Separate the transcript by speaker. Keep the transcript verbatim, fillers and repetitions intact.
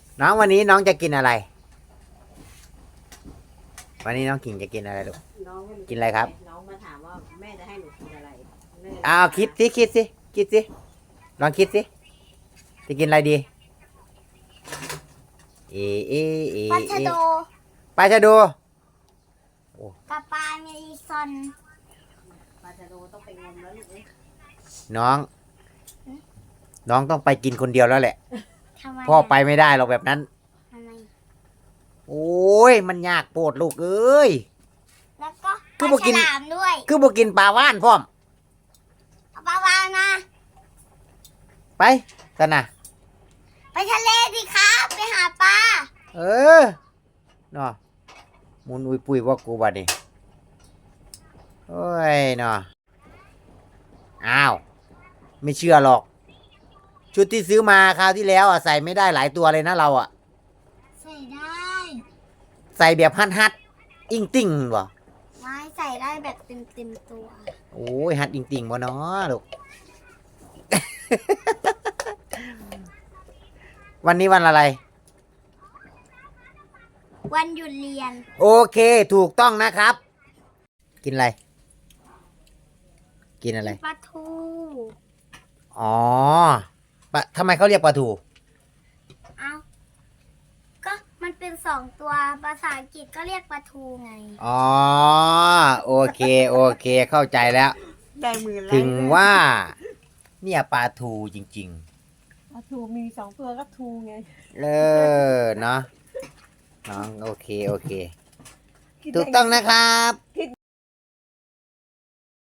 Speaker 1: น้องวันนี้น้องจะกินอะไร วันนี้น้องกิ่งจะกินอะไรลูก
Speaker 2: น้องไม่
Speaker 1: กินอะไรครับ
Speaker 2: น้องมาถามว่าแม่จะให้หนูกินอะไรแม่
Speaker 1: อ้าวคิดสิคิดสิคิดสิลองคิดสิจะกินอะไรดีเอเอเอ
Speaker 3: ปลา
Speaker 1: เอ
Speaker 3: ชะโด
Speaker 1: ปลาชะโด
Speaker 3: กับปลาเมซอน
Speaker 2: ปลาชะโดต้องไปงมแล้วลูกเอ้ย
Speaker 1: น้อง น้องต้องไปกินคนเดียวแล้วแหละ
Speaker 3: ทำไม
Speaker 1: พ่อไปไม่ได้หรอกแบบนั้น
Speaker 3: ทำไม
Speaker 1: โอ้ยมันยากโปรดลูกเอ้ย
Speaker 3: แล้วก็
Speaker 1: คือ
Speaker 3: ป
Speaker 1: บ่
Speaker 3: ลา
Speaker 1: กิ
Speaker 3: ฉ
Speaker 1: น
Speaker 3: ลามด้วย
Speaker 1: คือบอกินปลาว่านพร้อม
Speaker 3: เอาปลาวานมา
Speaker 1: ไปกันนะ
Speaker 3: ไปทะเลดิครับ ไปหาปลา
Speaker 1: เออเนาะมุนอุยปุยว่ากูบัดนี่โอ้ยเนาะอ้าว ไม่เชื่อหรอก ชุดที่ซื้อมาคราวที่แล้วอ่ะใส่ไม่ได้หลายตัวเลยนะเราอ่ะ
Speaker 3: ใส่ได้
Speaker 1: ใส่แบบฮัดฮัดอิงติ่งบ่
Speaker 3: ไม้ใส่ได้แบบเต็มเต็มๆตัว
Speaker 1: โอ้ยฮัดอิงติ่งบ่เนาะลูก วันนี้วันอะไร
Speaker 3: วันหยุดเรียน
Speaker 1: โอเคถูกต้องนะครับ กินอะไร กินอะไร
Speaker 3: ปลาทู
Speaker 1: อ๋อปะทำไมเขาเรียกปลาทู
Speaker 3: เอาก็มันเป็นสองตัว ภาษาอังกฤษก็เรียกปลาทูไง
Speaker 1: อ๋อ โอเค โอเค เข้าใจแล้ว
Speaker 2: ได้มือแล้ว
Speaker 1: ถึงว่า เนี่ยปลาทูจริง
Speaker 2: ปลาทูมีสองตัวก็ทูไง
Speaker 1: ๆ เออ เนาะน้อง โอเค โอเค ถูกต้องนะครับ